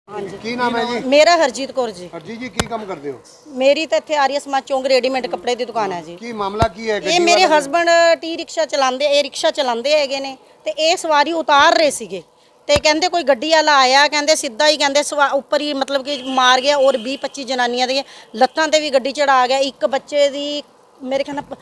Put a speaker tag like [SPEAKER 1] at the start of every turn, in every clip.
[SPEAKER 1] हाँ जी।
[SPEAKER 2] की नाम है जी?
[SPEAKER 1] मेरा हरजीत कौर जी।
[SPEAKER 2] हरजीत जी की काम करते हो?
[SPEAKER 1] मेरी तो इत्थे आर्य समाज चौंक रेडीमेड कपड़े ਦੀ ਦੁਕਾਨ ਹੈ ਜੀ।
[SPEAKER 2] ਕੀ ਮਾਮਲਾ ਕੀ ਹੈ?
[SPEAKER 1] ਇਹ ਮੇਰੇ ਹਸਬੰਡ ਟੀ ਰਿਕਸ਼ਾ ਚਲਾਉਂਦੇ, ਇਹ ਰਿਕਸ਼ਾ ਚਲਾਉਂਦੇ ਹੈਗੇ ਨੇ ਤੇ ਇਹ ਸਵਾਰੀ ਉਤਾਰ ਰਹੇ ਸੀਗੇ ਤੇ ਕਹਿੰਦੇ ਕੋਈ ਗੱਡੀ ਵਾਲਾ ਆਇਆ, ਕਹਿੰਦੇ ਸਿੱਧਾ ਹੀ ਕਹਿੰਦੇ ਉੱਪਰ ਹੀ ਮਤਲਬ ਕਿ ਮਾਰ ਗਿਆ ਔਰ 20-25 ਜਨਾਨੀਆਂ ਦੀਆਂ ਲੱਤਾਂ ਤੇ ਵੀ ਗੱਡੀ ਚੜਾ ਗਿਆ। ਇੱਕ ਬੱਚੇ ਦੀ ਮੇਰੇ ਖਿਆਲ ਨਾਲ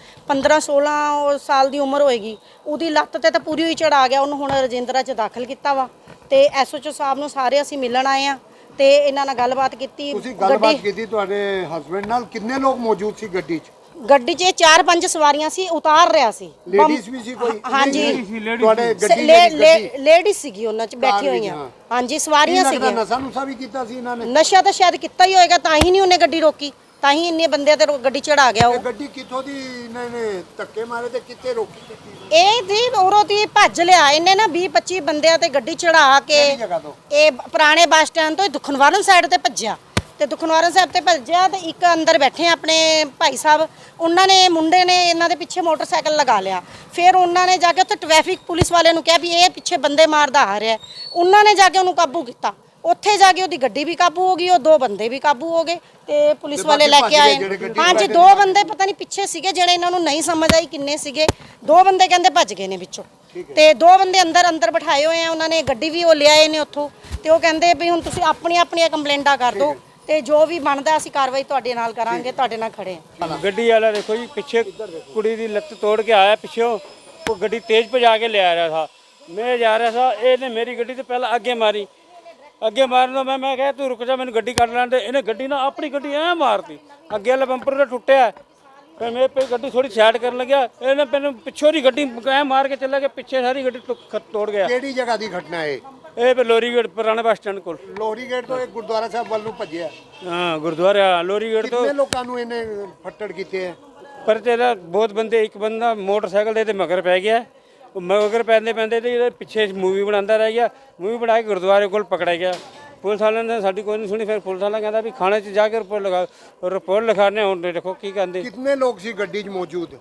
[SPEAKER 1] 15-16 ਸਾਲ ਦੀ ਉਮਰ ਹੋਏਗੀ, ਉਹਦੀ ਲੱਤ ਤੇ ਤਾਂ ਪੂਰੀ ਹੀ ਚੜਾ ਗਿਆ। ਉਹਨੂੰ ਹੁਣ ਰਜਿੰਦਰਾ 'ਚ ਦਾਖਲ ਕੀਤਾ ਵਾ ਤੇ ਐਸਓਚਓ ਸਾਹਿਬ ਨੂੰ ਸਾਰੇ ਅਸੀਂ ਮਿਲਣ ਆਏ ਆ ਤੇ ਇਹਨਾਂ ਨਾਲ ਗੱਲਬਾਤ ਕੀਤੀ।
[SPEAKER 2] ਤੁਸੀਂ ਗੱਲਬਾਤ ਕੀਤੀ ਤੁਹਾਡੇ ਹਸਬੰਡ ਨਾਲ? ਕਿੰਨੇ ਲੋਕ ਮੌਜੂਦ ਸੀ ਗੱਡੀ 'ਚ?
[SPEAKER 1] ਗੱਡੀ 'ਚ 4-5 ਸਵਾਰੀਆਂ ਸੀ, ਉਤਾਰ ਰਿਹਾ ਸੀ।
[SPEAKER 2] ਲੇਡੀਜ਼ ਵੀ ਸੀ ਕੋਈ?
[SPEAKER 1] ਹਾਂਜੀ,
[SPEAKER 2] ਤੁਹਾਡੇ ਗੱਡੀ
[SPEAKER 1] ਲੇਡੀਜ਼ ਸੀਗੀ, ਉਹਨਾਂ 'ਚ ਬੈਠੀ ਹੋਈਆਂ। ਹਾਂਜੀ, ਸਵਾਰੀਆਂ ਸੀਗੀਆਂ।
[SPEAKER 2] ਨਸ਼ਾ ਨੁਸ਼ਾ ਵੀ ਕੀਤਾ ਸੀ ਇਹਨਾਂ ਨੇ?
[SPEAKER 1] ਨਸ਼ਾ ਤਾਂ ਸ਼ਾਇਦ ਕੀਤਾ ਹੀ ਹੋਏਗਾ, ਤਾਂ ਹੀ ਨਹੀਂ ਉਹਨੇ ਗੱਡੀ ਰੋਕੀ, ਤਾਂ ਹੀ ਇੰਨੇ ਬੰਦਿਆਂ ਤੇ ਗੱਡੀ ਚੜਾ ਗਿਆ। ਉਹ
[SPEAKER 2] ਗੱਡੀ ਕਿੱਥੋਂ ਦੀ ਇਹਨਾਂ ਨੇ ਧੱਕੇ ਮਾਰੇ ਤੇ ਕਿੱਥੇ ਰੋਕੀ?
[SPEAKER 1] ਇਹ ਦੀ ਉਰੋਂ ਦੀ ਭੱਜ ਲਿਆ ਇਹਨੇ ਨਾ 20-25 ਬੰਦਿਆਂ ਤੇ ਗੱਡੀ ਚੜਾ ਕੇ। ਇਹ ਪੁਰਾਣੇ ਬੱਸ ਸਟੈਂਡ ਤੋਂ ਦੁਖਨਵਾਰਨ ਸਾਈਡ ਤੇ ਭੱਜਿਆ ਤੇ ਦੁਖਨਵਾਰਨ ਸਾਹਿਬ ਤੇ ਭੱਜਿਆ ਤੇ ਇੱਕ ਅੰਦਰ ਬੈਠੇ ਆਪਣੇ ਭਾਈ ਸਾਹਿਬ, ਉਹਨਾਂ ਨੇ ਮੁੰਡੇ ਨੇ ਇਹਨਾਂ ਦੇ ਪਿੱਛੇ ਮੋਟਰਸਾਈਕਲ ਲਗਾ ਲਿਆ। ਫਿਰ ਉਹਨਾਂ ਨੇ ਜਾ ਕੇ ਉੱਥੇ ਟ੍ਰੈਫਿਕ ਪੁਲਿਸ ਵਾਲਿਆਂ ਨੂੰ ਕਿਹਾ ਵੀ ਇਹ ਪਿੱਛੇ ਬੰਦੇ ਮਾਰਦਾ ਆ ਰਿਹਾ। ਉਹਨਾਂ ਨੇ ਜਾ ਕੇ ਉਹਨੂੰ ਕਾਬੂ ਕੀਤਾ। ਉੱਥੇ ਜਾ ਕੇ ਉਹਦੀ ਗੱਡੀ ਵੀ ਕਾਬੂ ਹੋ ਗਈ, ਉਹ 2 ਬੰਦੇ ਵੀ ਕਾਬੂ ਹੋ ਗਏ ਤੇ ਪੁਲਿਸ ਵਾਲੇ ਲੈ ਕੇ ਆਏ। ਹਾਂਜੀ, 2 ਬੰਦੇ ਪਤਾ ਨਹੀਂ ਪਿੱਛੇ ਸੀਗੇ ਜਿਹੜੇ ਇਹਨਾਂ ਨੂੰ ਨਹੀਂ ਸਮਝ ਆਈ ਕਿੰਨੇ ਸੀਗੇ। 2 ਬੰਦੇ ਕਹਿੰਦੇ ਭੱਜ ਗਏ ਨੇ ਵਿੱਚੋਂ ਤੇ 2 ਬੰਦੇ ਅੰਦਰ ਬਿਠਾਏ ਹੋਏ ਆ। ਉਹਨਾਂ ਨੇ ਗੱਡੀ ਵੀ ਉਹ ਲਿਆਏ ਨੇ ਉੱਥੋਂ ਤੇ ਉਹ ਕਹਿੰਦੇ ਵੀ ਹੁਣ ਤੁਸੀਂ ਆਪਣੀਆਂ ਕੰਪਲੇਂਟਾਂ ਕਰ ਦਿਓ ਤੇ ਜੋ ਵੀ ਬਣਦਾ ਅਸੀਂ ਕਾਰਵਾਈ ਤੁਹਾਡੇ ਨਾਲ ਕਰਾਂਗੇ, ਤੁਹਾਡੇ ਨਾਲ ਖੜੇ ਹਾਂ।
[SPEAKER 3] ਗੱਡੀ ਵਾਲਾ ਦੇਖੋ ਜੀ, ਪਿੱਛੇ ਕੁੜੀ ਦੀ ਲੱਤ ਤੋੜ ਕੇ ਆਇਆ ਪਿੱਛੋਂ, ਉਹ ਗੱਡੀ ਤੇਜ਼ ਭਜਾ ਕੇ ਲਿਆ ਰਿਹਾ ਸੀ। ਮੈਂ ਜਾ ਰਿਹਾ ਸੀ, ਇਹਨੇ ਮੇਰੀ ਗੱਡੀ ਤੇ ਪਹਿਲਾਂ ਅੱਗੇ ਮਾਰੀ। ਅੱਗੇ ਮਾਰਨ ਤੋਂ ਮੈਂ ਕਿਹਾ ਤੂੰ ਰੁਕ ਜਾ, ਮੈਨੂੰ ਗੱਡੀ ਕੱਢ ਲੈਣ ਦੇ। ਇਹਨੇ ਗੱਡੀ ਨਾ ਆਪਣੀ ਗੱਡੀ ਐ ਮਾਰਤੀ, ਅੱਗੇ ਵਾਲਾ ਬੰਪਰ ਤਾਂ ਟੁੱਟਿਆ। ਫਿਰ ਮੈਂ ਗੱਡੀ ਥੋੜੀ ਸਾਈਡ ਕਰਨ ਲੱਗਿਆ, ਇਹਨੇ ਮੈਨੂੰ ਪਿੱਛੋਂ ਦੀ ਗੱਡੀ ਐ ਮਾਰ ਕੇ ਚੱਲਿਆ ਕਿ ਪਿੱਛੇ ਸਾਰੀ ਗੱਡੀ ਤੋੜ ਗਿਆ।
[SPEAKER 2] ਕਿਹੜੀ ਜਗ੍ਹਾ ਦੀ ਘਟਨਾ ਹੈ
[SPEAKER 3] ਇਹ ਲੋਰੀ ਗੇਟ ਪੁਰਾਣੇ ਬੱਸ ਸਟੈਂਡ ਕੋਲ।
[SPEAKER 2] ਲੋਰੀ ਗੇਟ ਤੋਂ ਇਹ ਗੁਰਦੁਆਰਾ ਸਾਹਿਬ ਵੱਲ ਨੂੰ ਭੱਜਿਆ?
[SPEAKER 3] ਹਾਂ, ਗੁਰਦੁਆਰਾ ਲੋਰੀ ਗੇਟ ਤੋਂ।
[SPEAKER 2] ਕਿੰਨੇ ਲੋਕਾਂ ਨੂੰ ਇਹਨੇ ਫੱਟੜ ਕੀਤੇ ਹੈ?
[SPEAKER 3] ਪਰ ਤੇਰਾ ਬਹੁਤ ਬੰਦੇ, ਇੱਕ ਬੰਦਾ ਮੋਟਰਸਾਈਕਲ ਦੇ ਮਗਰ ਪੈ ਗਿਆ। ਉਹ ਮਗਰ ਪੈਂਦੇ ਤੇ ਇਹਦੇ ਪਿੱਛੇ ਮੂਵੀ ਬਣਾਉਂਦਾ ਰਹਿ ਗਿਆ। ਮੂਵੀ ਬਣਾ ਕੇ ਗੁਰਦੁਆਰੇ ਕੋਲ ਪਕੜਿਆ ਗਿਆ। ਪੁਲਿਸ ਵਾਲਿਆਂ ਨੇ ਸਾਡੀ ਕੋਈ ਨਹੀਂ ਸੁਣੀ। ਫਿਰ ਪੁਲਿਸ ਵਾਲਾ ਕਹਿੰਦਾ ਵੀ ਥਾਣੇ 'ਚ ਜਾ ਕੇ ਰਿਪੋਰਟ ਲਿਖਾਣੇ। ਹੁਣ ਦੇਖੋ ਕੀ ਕਹਿੰਦੇ।
[SPEAKER 2] ਕਿੰਨੇ ਲੋਕ ਸੀ ਗੱਡੀ 'ਚ ਮੌਜੂਦ?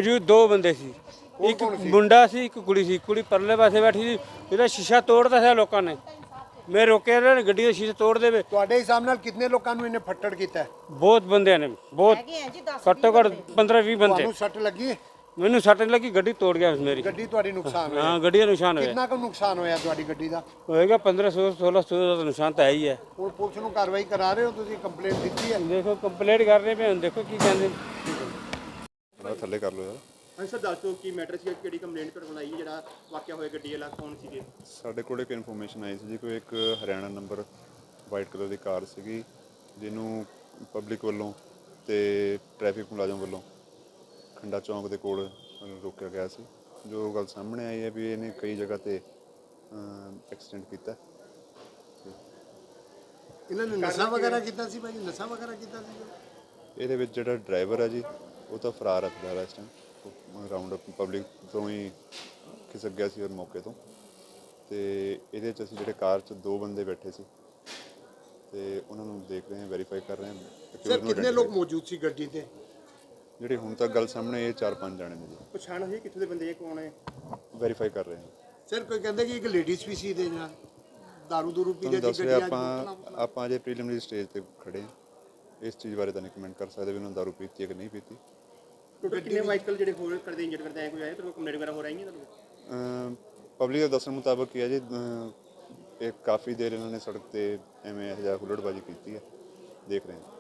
[SPEAKER 3] 2 ਬੰਦੇ ਸੀ, ਇੱਕ ਮੁੰਡਾ ਸੀ, ਇੱਕ ਕੁੜੀ ਸੀ। ਕੁੜੀ ਪਰਲੇ ਪਾਸੇ ਬੈਠੀ ਸੀ, ਇਹਦਾ ਸ਼ੀਸ਼ਾ ਤੋੜਦਾ ਸੀ ਲੋਕਾਂ ਨੇ। ਮੈਂ ਰੋਕਿਆ ਨਾ, ਗੱਡੀ ਦਾ ਸ਼ੀਸ਼ਾ ਤੋੜ ਦੇਵੇ।
[SPEAKER 2] ਤੁਹਾਡੇ ਹਿਸਾਬ ਨਾਲ ਕਿੰਨੇ ਲੋਕਾਂ ਨੂੰ ਇਹਨੇ ਫੱਟੜ ਕੀਤਾ?
[SPEAKER 3] ਬਹੁਤ ਬੰਦਿਆਂ ਨੇ, ਬਹੁਤ ਘੱਟੋ ਘੱਟ 15-20 ਬੰਦੇ।
[SPEAKER 2] ਤੁਹਾਨੂੰ ਸੱਟ ਲੱਗੀ?
[SPEAKER 3] ਮੈਨੂੰ ਸੱਟ ਲੱਗੀ, ਗੱਡੀ ਤੋੜ ਗਿਆ ਮੇਰੀ।
[SPEAKER 2] ਗੱਡੀ ਤੁਹਾਡੀ ਨੁਕਸਾਨ ਹੋਇਆ?
[SPEAKER 3] ਹਾਂ, ਗੱਡੀ ਦਾ ਨੁਕਸਾਨ ਹੋਇਆ।
[SPEAKER 2] ਕਿੰਨਾ ਕੁ ਨੁਕਸਾਨ ਹੋਇਆ ਤੁਹਾਡੀ ਗੱਡੀ ਦਾ?
[SPEAKER 3] ਹੋਏਗਾ 1500-1600 ਦਾ ਨੁਕਸਾਨ ਤਾਂ ਹੈ ਹੀ ਹੈ।
[SPEAKER 2] ਹੁਣ ਪੁਲਿਸ ਨੂੰ ਕਾਰਵਾਈ ਕਰਾ ਰਹੇ ਹੋ ਤੁਸੀਂ? ਕੰਪਲੇਂਟ ਦਿੱਤੀ ਹੈ?
[SPEAKER 3] ਦੇਖੋ ਕੰਪਲੇਂਟ ਕਰ ਰਹੇ ਪਏ, ਹੁਣ ਦੇਖੋ ਕੀ ਕਹਿੰਦੇ।
[SPEAKER 4] ਥੱਲੇ ਕਰ ਲਓ ਯਾਰ।
[SPEAKER 5] ਹਾਂਜੀ ਸਰ, ਦੱਸ ਦਿਓ ਕੀ ਮੈਟਰ ਸੀ, ਕਿਹੜੀ ਕੰਪਲੇਂਟ ਤੁਹਾਡੇ ਕੋਲ ਆਈ ਹੈ, ਜਿਹੜਾ ਵਾਕਿਆ ਹੋਇਆ ਗੱਡੀ ਵਾਲਾ ਕੌਣ ਸੀਗੇ?
[SPEAKER 4] ਸਾਡੇ ਕੋਲ ਇੱਕ ਇਨਫੋਰਮੇਸ਼ਨ ਆਈ ਸੀ ਜੀ, ਕੋਈ ਇੱਕ ਹਰਿਆਣਾ ਨੰਬਰ ਵਾਈਟ ਕਲਰ ਦੀ ਕਾਰ ਸੀਗੀ, ਜਿਹਨੂੰ ਪਬਲਿਕ ਵੱਲੋਂ ਤੇ ਟ੍ਰੈਫਿਕ ਮੁਲਾਜ਼ਮ ਵੱਲੋਂ ਖੰਡਾ ਚੌਂਕ ਦੇ ਕੋਲ ਰੋਕਿਆ ਗਿਆ ਸੀ। ਜੋ ਗੱਲ ਸਾਹਮਣੇ ਆਈ ਹੈ ਵੀ ਇਹਨੇ ਕਈ ਜਗ੍ਹਾ ਤੇ ਐਕਸੀਡੈਂਟ ਕੀਤਾ।
[SPEAKER 2] ਇਹਨਾਂ ਨੇ ਨਸ਼ਾ ਵਗੈਰਾ ਕੀਤਾ ਸੀ ਭਾਈ? ਨਸ਼ਾ ਵਗੈਰਾ ਕੀਤਾ ਸੀ?
[SPEAKER 4] ਇਹਦੇ ਵਿੱਚ ਜਿਹੜਾ ਡਰਾਈਵਰ ਹੈ ਜੀ, ਉਹ ਤਾਂ ਫਰਾਰ ਹੈ ਫਿਲਹਾਲ ਇਸ ਟਾਈਮ। ਰਾਉਂਡ ਅਪ ਪਬਲਿਕ ਤੋਂ ਹੀ ਖਿਸਕ ਗਿਆ ਸੀ ਔਰ ਮੌਕੇ ਤੋਂ। ਤੇ ਇਹਦੇ 'ਚ ਅਸੀਂ ਜਿਹੜੇ ਕਾਰ 'ਚ 2 ਬੰਦੇ ਬੈਠੇ ਸੀ ਤੇ ਉਹਨਾਂ ਨੂੰ ਦੇਖ ਰਹੇ ਹਾਂ, ਵੈਰੀਫਾਈ ਕਰ ਰਹੇ ਹਾਂ।
[SPEAKER 2] ਸਰ ਕਿੰਨੇ ਲੋਕ ਮੌਜੂਦ ਸੀ ਗੱਡੀ ਤੇ?
[SPEAKER 4] ਜਿਹੜੇ ਹੁਣ ਤੱਕ ਗੱਲ ਸਾਹਮਣੇ ਇਹ 4-5 ਜਾਣੇ ਨੇ ਜੀ।
[SPEAKER 5] ਪਛਾਣ ਹੋਈ ਕਿੱਥੋਂ ਦੇ ਬੰਦੇ, ਕੌਣ ਹੈ?
[SPEAKER 4] ਵੈਰੀਫਾਈ ਕਰ ਰਹੇ ਹਾਂ
[SPEAKER 2] ਸਰ ਕੋਈ ਕਹਿੰਦੇ ਕਿ ਇੱਕ ਲੇਡੀਜ਼ ਵੀ ਸੀ ਦੇ ਨਾਲ ਦਾਰੂ ਦੂਰੂ ਪੀ ਰਹੀ ਸੀ
[SPEAKER 4] ਗੱਡੀ? ਆਪਾਂ ਅਜੇ ਪ੍ਰੀਲਿਮਿਨਰੀ ਸਟੇਜ ਤੇ ਖੜੇ ਹਾਂ। ਇਸ ਚੀਜ਼ ਬਾਰੇ ਤਾਂ ਨਹੀਂ ਕਮੈਂਟ ਕਰ ਸਕਦੇ ਵੀ ਉਹਨਾਂ ਦਾਰੂ ਪੀਤੀ ਹੈ ਕਿ ਨਹੀਂ ਪੀਤੀ।
[SPEAKER 5] ਕਿੰਨੇ ਵਾਹੀਕਲ ਜਿਹੜੇ ਹੋਰ ਕਰਦੇ ਇੰਜਰ ਕਰਦੇ ਆਏ, ਕੋਈ ਆਏ ਤੁਹਾਨੂੰ ਕੰਪਲੇਂਟ ਵਗੈਰਾ ਹੋ ਰਹੀ ਹੈ ਤੁਹਾਨੂੰ?
[SPEAKER 4] ਪਬਲਿਕ ਦੇ ਦੱਸਣ ਮੁਤਾਬਕ ਕੀ ਹੈ ਜੀ, ਇਹ ਕਾਫੀ ਦੇਰ ਇਹਨਾਂ ਨੇ ਸੜਕ ਤੇ ਐਵੇਂ ਹੁੱਲੜਬਾਜ਼ੀ ਕੀਤੀ ਹੈ। ਦੇਖ ਰਹੇ ਹਾਂ।